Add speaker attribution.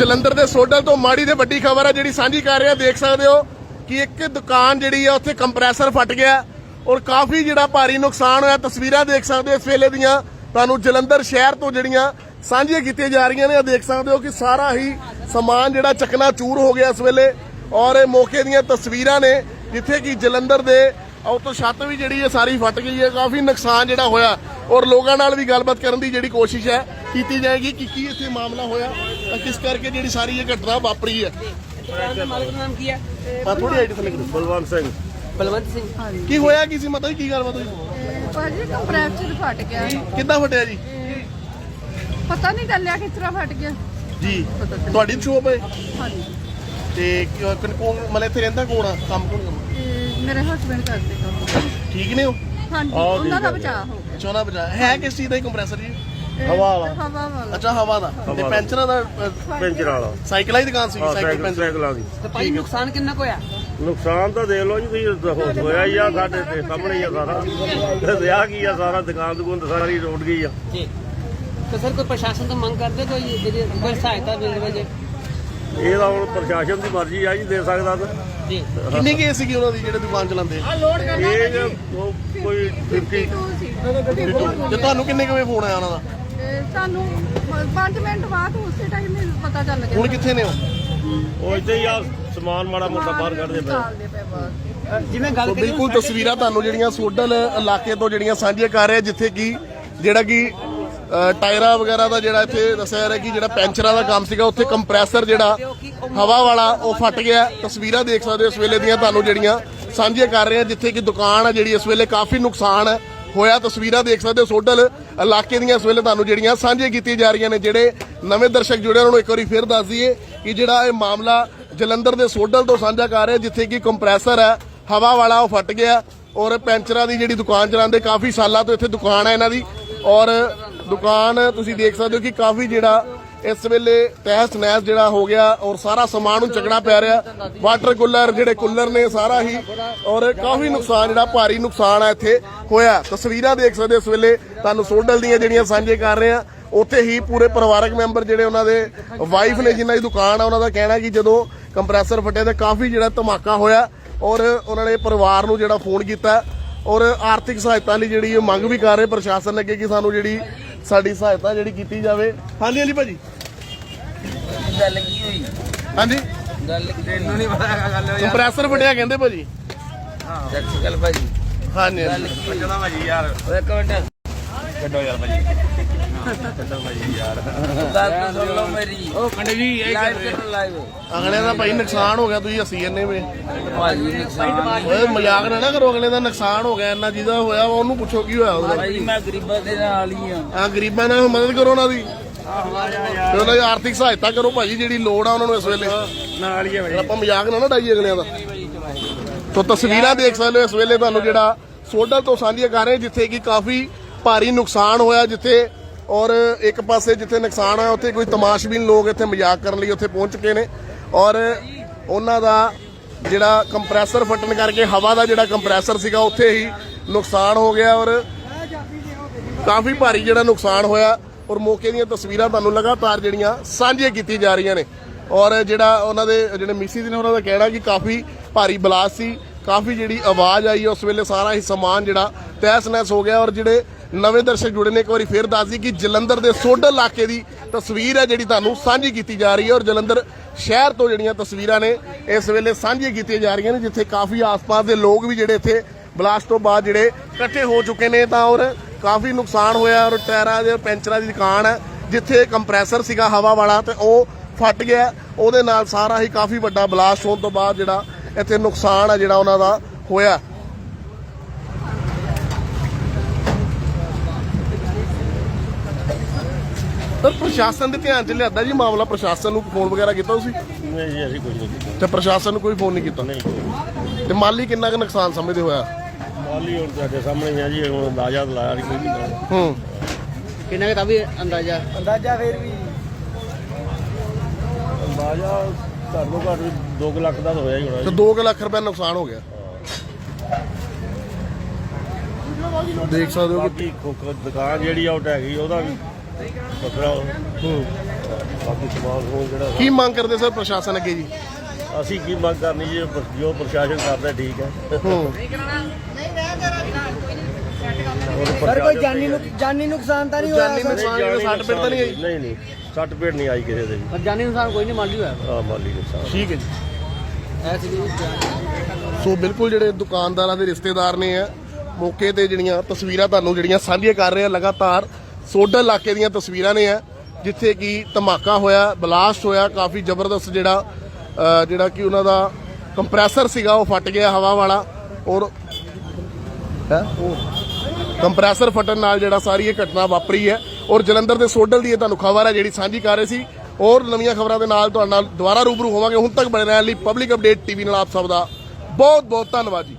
Speaker 1: ਜਲੰਧਰ ਦੇ ਸੋਡਲ ਤੋਂ ਮਾੜੀ ਤੇ ਵੱਡੀ ਖਬਰ ਹੈ ਜਿਹੜੀ ਸਾਂਝੀ ਕਰ ਰਿਹਾ। ਦੇਖ ਸਕਦੇ ਹੋ ਕਿ ਇੱਕ ਦੁਕਾਨ ਜਿਹੜੀ ਆ ਉੱਥੇ ਕੰਪਰੈਸਰ ਫਟ ਗਿਆ ਔਰ ਕਾਫੀ ਜਿਹੜਾ ਭਾਰੀ ਨੁਕਸਾਨ ਹੋਇਆ। ਤਸਵੀਰਾਂ ਦੇਖ ਸਕਦੇ ਹੋ ਇਸ ਵੇਲੇ ਦੀਆਂ ਤੁਹਾਨੂੰ ਜਲੰਧਰ ਸ਼ਹਿਰ ਤੋਂ ਜਿਹੜੀਆਂ ਸਾਂਝੀਆਂ ਕੀਤੀਆਂ ਜਾ ਰਹੀਆਂ ਨੇ। ਦੇਖ ਸਕਦੇ ਹੋ ਕਿ ਸਾਰਾ ਹੀ ਸਮਾਨ ਜਿਹੜਾ ਚਕਨਾਚੂਰ ਹੋ ਗਿਆ ਇਸ ਵੇਲੇ ਔਰ ਇਹ ਮੌਕੇ ਦੀਆਂ ਤਸਵੀਰਾਂ ਨੇ ਜਿੱਥੇ ਕਿ ਜਲੰਧਰ ਦੇ ਉੱਤੋਂ ਛੱਤ ਵੀ ਜਿਹੜੀ ਹੈ ਸਾਰੀ ਫਟ ਗਈ ਹੈ। ਕਾਫੀ ਨੁਕਸਾਨ ਜਿਹੜਾ ਹੋਇਆ ਔਰ ਲੋਕਾਂ ਨਾਲ ਵੀ ਗੱਲਬਾਤ ਕਰਨ ਦੀ ਜਿਹੜੀ ਕੋਸ਼ਿਸ਼ ਹੈ ਕੀਤੀ ਜਾਏਗੀ ਕਿ ਕੀ ਇੱਥੇ ਮਾਮਲਾ ਹੋਇਆ ਤਾਂ ਕਿਸ ਕਰਕੇ ਜਿਹੜੀ ਸਾਰੀ ਇਹ ਘਟਨਾ ਵਾਪਰੀ ਹੈ।
Speaker 2: ਦੁਕਾਨ ਦਾ ਮਾਲਕ ਦਾ ਨਾਮ ਕੀ ਹੈ?
Speaker 1: ਥੋੜੀ ਆਈਡੀ ਥੱਲੇ ਕਰੋ।
Speaker 3: ਬਲਵੰਤ ਸਿੰਘ।
Speaker 2: ਬਲਵੰਤ ਸਿੰਘ।
Speaker 1: ਕੀ ਹੋਇਆ ਕੀ ਸੀ ਮਤਲਬ ਕੀ ਗੱਲਬਾਤ ਹੋਈ?
Speaker 4: ਭਾਜੀ ਕੰਪਰੈਸਰ ਫਟ ਗਿਆ।
Speaker 1: ਕਿੱਦਾਂ ਫਟਿਆ ਜੀ?
Speaker 4: ਪਤਾ ਨਹੀਂ ਚੱਲਿਆ ਕਿਸ ਤਰ੍ਹਾਂ ਫਟ ਗਿਆ
Speaker 1: ਜੀ ਤੁਹਾਡੀ ਸ਼ੋਪ ਹੈ?
Speaker 4: ਹਾਂਜੀ।
Speaker 1: ਤੇ ਕੌਣ ਮਤਲਬ ਇੱਥੇ ਰਹਿੰਦਾ ਕੌਣ ਆ? ਕੰਮ ਕੌਣ ਕਰਦਾ?
Speaker 4: ਮੇਰੇ ਹਸਬੰਡ ਕਰਦੇ ਕੰਮ।
Speaker 1: ਠੀਕ ਨੇ ਉਹ?
Speaker 4: ਹਾਂਜੀ ਉਹਨਾਂ ਦਾ ਬਚਾਅ ਹੋ ਗਿਆ।
Speaker 1: ਚੋਣਾ ਬਚਾ ਹੈ ਕਿਸ ਚੀਜ਼ ਦਾ ਕੰਪਰੈਸਰ ਜੀ?
Speaker 3: ਹਵਾ ਵਾਲਾ।
Speaker 4: ਹਵਾ ਵਾਲਾ।
Speaker 1: ਅੱਛਾ ਹਵਾ ਦਾ। ਤੇ ਪੈਂਚਰਾਂ ਦਾ
Speaker 3: ਪੈਂਚਰ ਵਾਲਾ।
Speaker 1: ਸਾਈਕਲਾਂ ਦੀ ਦੁਕਾਨ ਸੀ? ਸਾਈਕਲ ਪੈਂਚਰ
Speaker 3: ਸਾਈਕਲਾਂ ਦੀ।
Speaker 2: ਤੇ ਭਾਈ ਨੁਕਸਾਨ ਕਿੰਨਾ ਕੁ ਹੋਇਆ?
Speaker 3: ਨੁਕਸਾਨ ਤਾਂ ਦੇਖ ਲਓ ਜੀ ਤੁਸੀਂ ਹੋਇਆ ਹੀ ਆ ਸਾਡੇ ਤੇ ਸਾਹਮਣੇ ਹੀ ਆ ਸਾਰਾ। ਰਿਹਾ ਕੀ ਆ ਸਾਰਾ ਦੁਕਾਨ ਦੁਕਾਨ ਸਾਰੀ ਰੋਡ ਗਈ ਆ
Speaker 2: ਜੀ। ਤੇ ਸਰ ਕੋਈ ਪ੍ਰਸ਼ਾਸਨ ਤੋਂ ਮੰਗ ਕਰਦੇ ਕੋਈ ਜਿਹੜੀ ਕੋਈ ਸਹਾਇਤਾ ਮਿਲ ਜਾਵੇ ਜੇ?
Speaker 3: ਇਹ ਤਾਂ ਹੁਣ ਪ੍ਰਸ਼ਾਸਨ ਦੀ ਮਰਜ਼ੀ ਆ ਜੀ ਦੇ ਸਕਦਾ ਤਾਂ।
Speaker 2: ਜੀ।
Speaker 1: ਕਿੰਨੀ ਕੇਸ ਸੀਗੀ ਉਹਨਾਂ ਦੀ ਜਿਹੜੇ ਦੁਕਾਨ ਚਲਾਉਂਦੇ?
Speaker 3: ਇਹ ਕੋਈ
Speaker 4: 52 ਸੀ।
Speaker 1: ਤੇ ਤੁਹਾਨੂੰ ਕਿੰਨੇ ਕੁ ਵਜੇ ਫੋਨ ਆਇਆ ਉਹਨਾਂ ਦਾ?
Speaker 4: ਸਾਨੂੰ 5 ਮਿੰਟ ਬਾਅਦ ਉਸੇ ਟਾਈਮ ਹੀ ਪਤਾ ਚੱਲ ਗਿਆ।
Speaker 1: ਹੁਣ ਕਿੱਥੇ ਨੇ ਉਹ?
Speaker 3: ਉਹ ਇੱਥੇ ਹੀ ਆ ਸਮਾਨ ਮਾੜਾ ਮੋਟਾ ਬਾਹਰ ਕੱਢਦੇ ਪਏ।
Speaker 4: ਨਿਕਾਲਦੇ ਪਏ ਬਾਹਰ।
Speaker 2: ਜਿਵੇਂ ਗੱਲ ਕਰੀਏ
Speaker 1: ਬਿਲਕੁਲ ਤਸਵੀਰਾਂ ਤੁਹਾਨੂੰ ਜਿਹੜੀਆਂ ਸੋਡਲ ਇਲਾਕੇ ਤੋਂ ਜਿਹੜੀਆਂ ਸਾਂਝੀਆਂ ਕਰ ਰਹੇ ਜਿੱਥੇ ਕਿ ਜਿਹੜਾ ਕਿ ਟਾਇਰਾਂ ਵਗੈਰਾ ਦਾ ਜਿਹੜਾ ਇੱਥੇ ਦੱਸਿਆ ਜਾ ਰਿਹਾ ਕਿ ਜਿਹੜਾ ਪੈਂਚਰਾਂ ਦਾ ਕੰਮ ਸੀਗਾ ਉੱਥੇ ਕੰਪਰੈਸਰ ਜਿਹੜਾ ਹਵਾ ਵਾਲਾ ਉਹ ਫਟ ਗਿਆ। ਤਸਵੀਰਾਂ ਦੇਖ ਸਕਦੇ ਹੋ ਇਸ ਵੇਲੇ ਦੀਆਂ ਤੁਹਾਨੂੰ ਜਿਹੜੀਆਂ ਸਾਂਝੀਆਂ ਕਰ ਰਹੇ ਹਾਂ ਜਿੱਥੇ ਕਿ ਦੁਕਾਨ ਆ ਜਿਹੜੀ ਇਸ ਵੇਲੇ ਕਾਫੀ ਨੁਕਸਾਨ ਹੋਇਆ। ਤਸਵੀਰਾਂ ਦੇਖ ਸਕਦੇ ਹੋ ਸੋਡਲ ਇਲਾਕੇ ਦੀਆਂ ਇਸ ਵੇਲੇ ਤੁਹਾਨੂੰ ਜਿਹੜੀਆਂ ਸਾਂਝੀਆਂ ਕੀਤੀਆਂ ਜਾ ਰਹੀਆਂ ਨੇ। ਜਿਹੜੇ ਨਵੇਂ ਦਰਸ਼ਕ ਜੁੜੇ ਉਹਨਾਂ ਨੂੰ ਇੱਕ ਵਾਰੀ ਫਿਰ ਦੱਸ ਦਈਏ ਕਿ ਜਿਹੜਾ ਇਹ ਮਾਮਲਾ ਜਲੰਧਰ ਦੇ ਸੋਡਲ ਤੋਂ ਸਾਂਝਾ ਕਰ ਰਿਹਾ ਜਿੱਥੇ ਕਿ ਕੰਪਰੈਸਰ ਹੈ ਹਵਾ ਵਾਲਾ ਉਹ ਫਟ ਗਿਆ ਔਰ ਪੈਂਚਰਾਂ ਦੀ ਜਿਹੜੀ ਦੁਕਾਨ ਚਲਾਉਂਦੇ ਕਾਫੀ ਸਾਲਾਂ ਤੋਂ ਇੱਥੇ ਦੁਕਾਨ ਹੈ ਇਹਨਾਂ ਦੀ ਔਰ ਦੁਕਾਨ ਤੁਸੀਂ ਦੇਖ ਸਕਦੇ ਹੋ ਕਿ ਕਾਫੀ ਜਿਹੜਾ ਇਸ ਵੇਲੇ ਤਹਿਸ ਨਹਿਸ ਜਿਹੜਾ ਹੋ ਗਿਆ ਔਰ ਸਾਰਾ ਸਮਾਨ ਨੂੰ ਚੱਕਣਾ ਪੈ ਰਿਹਾ। ਵਾਟਰ ਕੂਲਰ ਜਿਹੜੇ ਕੂਲਰ ਨੇ ਸਾਰਾ ਹੀ ਔਰ ਕਾਫੀ ਨੁਕਸਾਨ ਜਿਹੜਾ ਭਾਰੀ ਨੁਕਸਾਨ ਹੈ ਇੱਥੇ ਹੋਇਆ। ਤਸਵੀਰਾਂ ਦੇਖ ਸਕਦੇ ਇਸ ਵੇਲੇ ਤੁਹਾਨੂੰ ਸੋਡਲ ਦੀਆਂ ਜਿਹੜੀਆਂ ਸਾਂਝੇ ਕਰ ਰਹੇ ਆ। ਉੱਥੇ ਹੀ ਪੂਰੇ ਪਰਿਵਾਰਕ ਮੈਂਬਰ ਜਿਹੜੇ ਉਹਨਾਂ ਦੇ ਵਾਈਫ ਨੇ ਜਿਨ੍ਹਾਂ ਦੀ ਦੁਕਾਨ ਆ ਉਹਨਾਂ ਦਾ ਕਹਿਣਾ ਕਿ ਜਦੋਂ ਕੰਪਰੈਸਰ ਫਟਿਆ ਤਾਂ ਕਾਫੀ ਜਿਹੜਾ ਧਮਾਕਾ ਹੋਇਆ ਔਰ ਉਹਨਾਂ ਨੇ ਪਰਿਵਾਰ ਨੂੰ ਜਿਹੜਾ ਫੋਨ ਕੀਤਾ ਔਰ ਆਰਥਿਕ ਸਹਾਇਤਾ ਲਈ ਜਿਹੜੀ ਮੰਗ ਵੀ ਕਰ ਰਹੇ ਪ੍ਰਸ਼ਾਸਨ ਅੱਗੇ ਕਿ ਸਾਨੂੰ ਜਿਹੜੀ ਸਾਡੀ ਸਹਾਇਤਾ ਜਿਹੜੀ ਕੀਤੀ ਜਾਵੇ। ਹਾਂਜੀ ਹਾਂਜੀ ਭਾਜੀ
Speaker 2: ਗੱਲ ਕੀ ਹੋਈ?
Speaker 1: ਹਾਂਜੀ
Speaker 2: ਗੱਲ ਤੈਨੂੰ ਨਹੀਂ ਪਤਾ ਗੱਲ ਹੋਈ
Speaker 1: ਕੰਪਰੈਸਰ ਫਟਿਆ ਕਹਿੰਦੇ ਭਾਜੀ।
Speaker 2: ਹਾਂ ਸੱਚੀ ਗੱਲ ਭਾਜੀ।
Speaker 1: ਹਾਂਜੀ
Speaker 2: ਗੱਲ ਕੀ
Speaker 3: ਕਿਹੜਾ ਭਾਜੀ ਯਾਰ
Speaker 2: ਇੱਕ ਮਿੰਟ
Speaker 3: ਕੱਢੋ ਯਾਰ ਭਾਜੀ ਕੱਢੋ ਭਾਜੀ ਯਾਰ
Speaker 2: ਗੱਲ ਤਾਂ ਸੁਣ ਲਓ ਮੇਰੀ। ਉਹ ਕੰਡੇ ਜੀ ਇਹ ਲਾਈਵ
Speaker 1: ਅਗਲੇ ਦਾ ਭਾਈ ਨੁਕਸਾਨ ਹੋ ਗਿਆ ਤੁਸੀਂ ਹੱਸੀ ਜੰਨੇ ਵੇ।
Speaker 2: ਭਾਜੀ ਨੁਕਸਾਨ
Speaker 1: ਓਏ ਮਜ਼ਾਕ ਨਾ ਕਰੋ। ਅਗਲੇ ਦਾ ਨੁਕਸਾਨ ਹੋ ਗਿਆ ਇੰਨਾ ਜਿਹਦਾ ਹੋਇਆ ਉਹਨੂੰ ਪੁੱਛੋ ਕੀ ਹੋਇਆ ਉਹਦਾ।
Speaker 2: ਭਾਜੀ ਮੈਂ ਗਰੀਬਾਂ ਦੇ ਨਾਲ ਹੀ ਆ।
Speaker 1: ਆ ਗਰੀਬਾਂ ਨਾਲ ਮਦਦ ਕਰੋ ਉਹਨਾਂ ਦੀ ਤੇ ਉਹਨਾਂ ਦੀ ਆਰਥਿਕ ਸਹਾਇਤਾ ਕਰੋ ਭਾਜੀ ਜਿਹੜੀ ਲੋੜ ਆ ਉਹਨਾਂ ਨੂੰ ਇਸ ਵੇਲੇ
Speaker 3: ਨਾਲ ਹੀ ਆ ਭਾਜੀ।
Speaker 1: ਆਪਾਂ ਮਜ਼ਾਕ ਨਾ ਡਾਈਏ ਅਗਲਿਆਂ ਦਾ। ਤੋ ਤਸਵੀਰਾਂ ਦੇਖ ਸਕਦੇ ਹੋ ਇਸ ਵੇਲੇ ਤੁਹਾਨੂੰ ਜਿਹੜਾ ਸੋਡਲ ਤੋਂ ਸਾਂਝੀਆਂ ਕਰ ਰਹੇ ਜਿੱਥੇ ਕਿ ਕਾਫੀ ਭਾਰੀ ਨੁਕਸਾਨ ਹੋਇਆ ਜਿੱਥੇ ਔਰ ਇੱਕ ਪਾਸੇ ਜਿੱਥੇ ਨੁਕਸਾਨ ਹੋਇਆ ਉੱਥੇ ਕੋਈ ਤਮਾਸ਼ਬੀਨ ਲੋਕ ਇੱਥੇ ਮਜ਼ਾਕ ਕਰਨ ਲਈ ਉੱਥੇ ਪਹੁੰਚ ਚੁੱਕੇ ਨੇ ਔਰ ਉਹਨਾਂ ਦਾ ਜਿਹੜਾ ਕੰਪਰੈਸਰ ਫਟਣ ਕਰਕੇ ਹਵਾ ਦਾ ਜਿਹੜਾ ਕੰਪਰੈਸਰ ਸੀਗਾ ਉੱਥੇ ਹੀ ਨੁਕਸਾਨ ਹੋ ਗਿਆ ਔਰ ਕਾਫੀ ਭਾਰੀ ਜਿਹੜਾ ਨੁਕਸਾਨ ਹੋਇਆ ਔਰ ਮੌਕੇ ਦੀਆਂ ਤਸਵੀਰਾਂ ਤੁਹਾਨੂੰ ਲਗਾਤਾਰ ਜਿਹੜੀਆਂ ਸਾਂਝੀਆਂ ਕੀਤੀਆਂ ਜਾ ਰਹੀਆਂ ਨੇ ਔਰ ਜਿਹੜਾ ਉਹਨਾਂ ਦੇ ਜਿਹੜੇ ਮਿਸਿਸ ਨੇ ਉਹਨਾਂ ਦਾ ਕਹਿਣਾ ਕਿ ਕਾਫੀ ਭਾਰੀ ਬਲਾਸਟ ਸੀ ਕਾਫੀ ਜਿਹੜੀ ਆਵਾਜ਼ ਆਈ ਉਸ ਵੇਲੇ ਸਾਰਾ ਹੀ ਸਮਾਨ ਜਿਹੜਾ ਤਹਿਸ ਨਹਿਸ ਹੋ ਗਿਆ ਔਰ ਜਿਹੜੇ ਨਵੇਂ ਦਰਸ਼ਕ ਜੁੜੇ ਨੇ ਇੱਕ ਵਾਰੀ ਫੇਰ ਦੱਸ ਦਈਏ ਕਿ ਜਲੰਧਰ ਦੇ ਸੋਡਲ ਇਲਾਕੇ ਦੀ ਤਸਵੀਰ ਹੈ ਜਿਹੜੀ ਤੁਹਾਨੂੰ ਸਾਂਝੀ ਕੀਤੀ ਜਾ ਰਹੀ ਹੈ ਔਰ ਜਲੰਧਰ ਸ਼ਹਿਰ ਤੋਂ ਜਿਹੜੀਆਂ ਤਸਵੀਰਾਂ ਨੇ ਇਸ ਵੇਲੇ ਸਾਂਝੀਆਂ ਕੀਤੀਆਂ ਜਾ ਰਹੀਆਂ ਨੇ ਜਿੱਥੇ ਕਾਫੀ ਆਸ-ਪਾਸ ਦੇ ਲੋਕ ਵੀ ਜਿਹੜੇ ਇੱਥੇ ਬਲਾਸਟ ਤੋਂ ਬਾਅਦ ਜਿਹੜੇ ਇਕੱਠੇ ਹੋ ਚੁੱਕੇ ਨੇ ਤਾਂ ਔਰ ਕਾਫੀ ਨੁਕਸਾਨ ਹੋਇਆ ਔਰ ਟਾਇਰਾਂ ਦੇ ਪੈਂਚਰਾਂ ਦੀ ਦੁਕਾਨ ਹੈ ਜਿੱਥੇ ਕੰਪਰੈਸਰ ਸੀਗਾ ਹਵਾ ਵਾਲਾ ਤੇ ਉਹ ਫਟ ਗਿਆ ਉਹਦੇ ਨਾਲ ਸਾਰਾ ਹੀ ਕਾਫੀ ਵੱਡਾ ਬਲਾਸਟ ਹੋਣ ਤੋਂ ਬਾਅਦ ਜਿਹੜਾ ਇੱਥੇ ਨੁਕਸਾਨ ਹੈ ਜਿਹੜਾ ਉਹਨਾਂ ਦਾ ਹੋਇਆ। ਪਰ ਪ੍ਰਸ਼ਾਸਨ ਦੇ ਧਿਆਨ 'ਚ ਲਿਆਦਾ ਜੀ ਮਾਮਲਾ? ਪ੍ਰਸ਼ਾਸਨ ਨੂੰ ਫੋਨ ਵਗੈਰਾ ਕੀਤਾ ਤੁਸੀਂ?
Speaker 3: ਨਹੀਂ ਜੀ ਅਸੀਂ ਕੁਝ ਨਹੀਂ ਕੀਤਾ।
Speaker 1: ਤੇ ਪ੍ਰਸ਼ਾਸਨ ਨੂੰ ਕੋਈ ਫੋਨ ਨਹੀਂ ਕੀਤਾ?
Speaker 3: ਨਹੀਂ।
Speaker 1: ਤੇ ਮਾਲੀ ਕਿੰਨਾ ਕੁ ਨੁਕਸਾਨ ਸਮਝਦੇ ਹੋਇਆ?
Speaker 3: ਮਾਲੀ ਹੁਣ ਤੁਹਾਡੇ ਸਾਹਮਣੇ ਹੀ ਆ ਜੀ ਹੁਣ ਅੰਦਾਜ਼ਾ ਲਾਇਆ ਨਹੀਂ ਕੋਈ
Speaker 1: ਹੂੰ
Speaker 2: ਕਿੰਨਾ ਕੁ ਤਾਂ ਵੀ ਅੰਦਾਜ਼ਾ ਫੇਰ ਵੀ
Speaker 3: ਅੰਦਾਜ਼ਾ ਘੱਟੋ ਘੱਟ 2 ਲੱਖ ਦਾ ਤਾਂ ਹੋਇਆ ਹੀ ਹੋਣਾ
Speaker 1: ਤੇ
Speaker 3: ਜੀ।
Speaker 1: 2 ਲੱਖ ਰੁਪਏ ਨੁਕਸਾਨ ਹੋ ਗਿਆ। ਦੇਖ ਸਕਦੇ ਹੋ ਕਿ
Speaker 3: ਬਾਕੀ ਦੁਕਾਨ ਜਿਹੜੀ ਆ ਉਹ ਢਹਿ ਗਈ ਉਹਦਾ ਵੀ ਵੱਖਰਾ
Speaker 1: ਹੂੰ
Speaker 3: ਬਾਕੀ ਸਮਾਨ ਸਮੂਨ ਜਿਹੜਾ
Speaker 1: ਕੀ ਮੰਗ ਕਰਦੇ ਸਰ ਪ੍ਰਸ਼ਾਸਨ ਅੱਗੇ ਜੀ?
Speaker 3: ਅਸੀਂ ਕੀ ਮੰਗ ਕਰਨੀ ਜੀ, ਜੋ ਪ੍ਰਸ਼ਾਸਨ ਕਰਦਾ ਠੀਕ ਹੈ।
Speaker 2: ਸਰ ਕੋਈ ਜਾਨੀ ਨੁਕਸਾਨ ਤਾਂ ਨਹੀਂ
Speaker 1: ਜਾਨੀ ਨੁਕਸਾਨ ਜਿਹੜਾ ਸੱਟ ਪੇਟ ਤਾਂ ਨਹੀਂ ਆਈ?
Speaker 3: ਨਹੀਂ ਨਹੀਂ, ਸੱਟ ਪੇਟ ਨਹੀਂ ਆਈ ਕਿਸੇ ਦੇ ਵੀ।
Speaker 2: ਪਰ ਜਾਨੀ ਨੁਕਸਾਨ ਕੋਈ ਨਹੀਂ ਮਾਲੀ ਹੋਇਆ
Speaker 3: ਆ ਮਾਲੀ ਨੁਕਸਾਨ
Speaker 1: ਠੀਕ ਹੈ ਜੀ।
Speaker 2: ਐਸੀ
Speaker 1: ਸੋ ਬਿਲਕੁਲ ਜਿਹੜੇ ਦੁਕਾਨਦਾਰਾਂ ਦੇ ਰਿਸ਼ਤੇਦਾਰ ਨੇ ਆ ਮੌਕੇ ਤੇ ਜਿਹੜੀਆਂ ਤਸਵੀਰਾਂ ਤੁਹਾਨੂੰ ਜਿਹੜੀਆਂ ਸਾਂਝੀਆਂ ਕਰ ਰਹੇ ਆ ਲਗਾਤਾਰ ਸੋਡਲ ਇਲਾਕੇ ਦੀਆਂ ਤਸਵੀਰਾਂ ਨੇ ਆ ਜਿੱਥੇ ਕਿ ਧਮਾਕਾ ਹੋਇਆ, ਬਲਾਸਟ ਹੋਇਆ, ਕਾਫੀ ਜ਼ਬਰਦਸਤ ਜਿਹੜਾ ਕਿ ਉਹਨਾਂ ਦਾ ਕੰਪਰੈਸਰ ਸੀਗਾ ਉਹ ਫਟ ਗਿਆ ਹਵਾ ਵਾਲਾ ਔਰ ਕੰਪਰੈਸਰ ਫਟਣ ਨਾਲ ਜਿਹੜਾ ਸਾਰੀ ਇਹ ਘਟਨਾ ਵਾਪਰੀ ਹੈ ਔਰ ਜਲੰਧਰ ਦੇ ਸੋਡਲ ਦੀ ਇਹ ਤੁਹਾਨੂੰ ਖਬਰ ਹੈ ਜਿਹੜੀ ਸਾਂਝੀ ਕਰ ਰਹੇ ਸੀ। ਔਰ ਨਵੀਆਂ ਖਬਰਾਂ ਦੇ ਨਾਲ ਤੁਹਾਡੇ ਨਾਲ ਦੁਬਾਰਾ ਰੂਬਰੂ ਹੋਵਾਂਗੇ। ਹੁਣ ਤੱਕ ਬਣੇ ਰਹਿਣ ਲਈ ਪਬਲਿਕ ਅਪਡੇਟ ਟੀਵੀ ਨਾਲ ਆਪ ਸਭ ਦਾ ਬਹੁਤ ਬਹੁਤ ਧੰਨਵਾਦ ਜੀ।